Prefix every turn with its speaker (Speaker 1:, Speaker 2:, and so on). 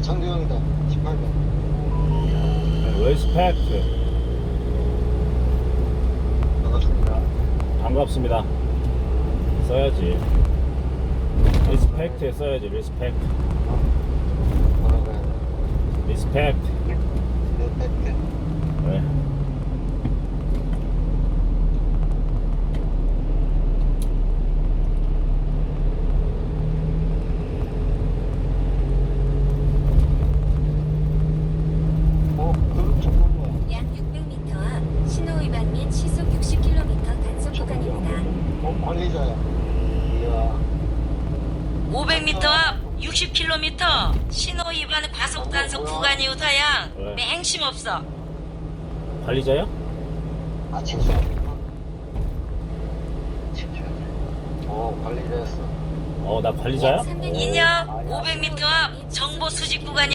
Speaker 1: 장두영이다. 18번.
Speaker 2: 리스펙트.
Speaker 1: 반갑습니다.
Speaker 2: 반갑습니다. 써야지. 리스펙트에 써야지. 리스펙트.
Speaker 1: 뭐라고 해야 돼?
Speaker 2: 리스펙트.
Speaker 1: 리스펙트.
Speaker 2: 네.
Speaker 1: 그 정보는 뭐야?
Speaker 3: 약 600m 앞 신호 위반 및 시속 60km 단속 구간입니다.
Speaker 1: 관리자야. 이야.
Speaker 4: 500m 앞 60km 신호 위반 과속 단속 구간이요 다양.
Speaker 2: 네.
Speaker 4: 맹심 없어.
Speaker 2: 관리자야?
Speaker 1: 아, 칭찬이구나. 칭찬. 관리자였어.
Speaker 2: 나 관리자야?
Speaker 3: 약 300m
Speaker 4: 인형 500m 앞 정보 수집 구간이